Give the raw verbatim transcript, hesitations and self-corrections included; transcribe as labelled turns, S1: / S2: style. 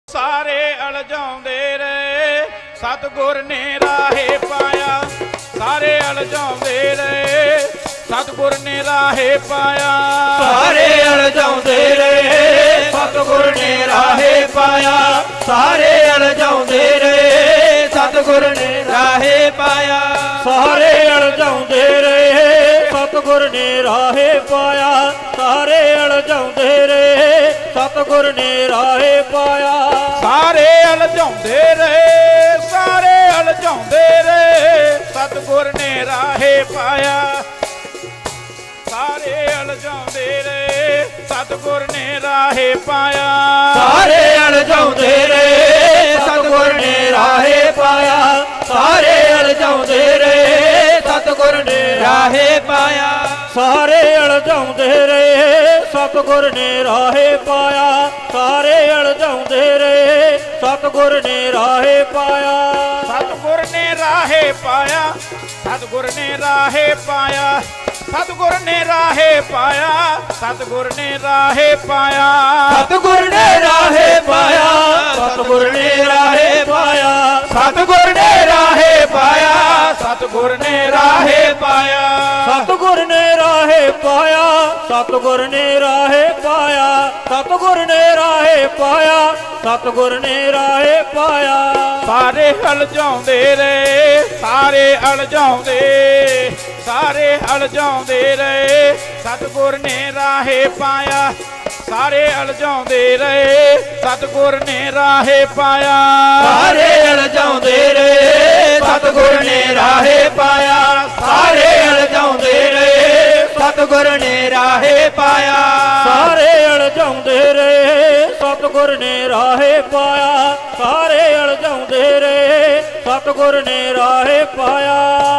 S1: ਸਾਰੇ ਅਲਝਾਉਂਦੇ ਰਹੇ ਸਤਿਗੁਰ ਨੇ ਰਾਹੇ ਪਾਇਆ। ਸਾਰੇ ਅਲਝਾਉਂਦੇ ਰਹੇ ਸਤਿਗੁਰ ਨੇ ਰਾਹੇ ਪਾਇਆ।
S2: ਸਾਰੇ ਅਲਝਾਉਂਦੇ ਰਹੇ ਸਤਿਗੁਰ ਨੇ ਰਾਹੇ ਪਾਇਆ। ਸਾਰੇ ਅਲਝਾਉਂਦੇ ਰਹੇ ਸਤਿਗੁਰ ਨੇ ਰਾਹੇ ਪਾਇਆ।
S3: ਸਾਰੇ ਅਲਝਾਉਂਦੇ ਰਹੇ ਸਤਿਗੁਰ ਨੇ ਰਾਹੇ ਪਾਇਆ। ਸਾਰੇ ਅਲਝਾਉਂਦੇ ਰਹੇ ਸਤਿਗੁਰ ਨੇ ਰਾਹੇ ਪਾਇਆ।
S1: ਸਾਰੇ ਅਲਝਾਉਂਦੇ ਰਹੇ ਸਾਰੇ ਅਲਝਾਉਂਦੇ ਰਹੇ ਸਤਿਗੁਰ ਨੇ ਰਾਹੇ ਪਾਇਆ। ਸਾਰੇ ਅਲਝਾਉਂਦੇ ਰਹੇ ਸਤਿਗੁਰ ਨੇ ਰਾਹੇ ਪਾਇਆ।
S2: ਸਾਰੇ ਅਲਝਾਉਂਦੇ ਰਹੇ ਸਤਿਗੁਰ ਨੇ ਰਾਹੇ ਪਾਇਆ। ਸਾਰੇ ਅਲਝਾਉਂਦੇ ਰਹੇ ਸਤਿਗੁਰ ਨੇ ਰਾਹੇ ਪਾਇਆ।
S3: ਸਾਰੇ ਅਲਝਾਉਂਦੇ ਰਹੇ ਸਤਿਗੁਰ ਨੇ ਰਾਹੇ ਪਾਇਆ। ਸਾਰੇ ਅਲਝਾਉਂਦੇ ਰਹੇ ਸਤਿਗੁਰ ਨੇ ਰਾਹੇ ਪਾਇਆ।
S1: ਸਤਿਗੁਰ ਨੇ ਰਾਹੇ ਪਾਇਆ। ਸਤਿਗੁਰ ਨੇ ਰਾਹੇ ਪਾਇਆ। ਸਤਿਗੁਰ ਨੇ ਰਾਹੇ ਪਾਇਆ। ਸਤਿਗੁਰ ਨੇ ਰਾਹੇ ਪਾਇਆ।
S2: ਸਤਿਗੁਰ ਨੇ ਰਾਹੇ ਪਾਇਆ। ਸਤਿਗੁਰ ਨੇ ਰਾਹੇ ਪਾਇਆ। ਸਤਿਗੁਰ ਨੇ ਰਾਹੇ ਪਾਇਆ। ਸਤਿਗੁਰ ਨੇ ਰਾਹੇ ਪਾਇਆ।
S3: ਸਤਿਗੁਰ ਨੇ ਰਾਹੇ ਪਾਇਆ। ਸਤਿਗੁਰ ਨੇ ਰਾਹੇ ਪਾਇਆ। ਸਤਿਗੁਰ ਨੇ ਰਾਹੇ ਪਾਇਆ। ਸਤਿਗੁਰ ਨੇ ਰਾਹੇ ਪਾਇਆ।
S1: ਸਾਰੇ ਅਲਝਾਉਂਦੇ ਰਹੇ ਸਾਰੇ ਅਲਝਾਉਂਦੇ ਸਾਰੇ ਅਲਝਾਉਂਦੇ ਰਹੇ ਸਤਿਗੁਰ ਨੇ ਰਾਹੇ ਪਾਇਆ। ਸਾਰੇ ਅਲਝਾਉਂਦੇ ਰਹੇ ਸਤਿਗੁਰ ਨੇ ਰਾਹੇ ਪਾਇਆ।
S2: ਸਾਰੇ ਅਲਝਾਉਂਦੇ ਰਹੇ ਸਤਿਗੁਰ ਨੇ ਰਾਹੇ ਪਾਇਆ। ਸਾਰੇ ਅਲਝਾਉਂਦੇ ਰਹੇ ਸਤਿਗੁਰ ਨੇ ਰਾਹੇ ਪਾਇਆ।
S3: ਸਾਰੇ ਅਲਝਾਉਂਦੇ ਰਹੇ ਸਤਿਗੁਰ ਨੇ ਰਾਹੇ ਪਾਇਆ। ਸਾਰੇ ਅਲਝਾਉਂਦੇ ਰਹੇ ਸਤਿਗੁਰ ਨੇ ਰਾਹੇ ਪਾਇਆ।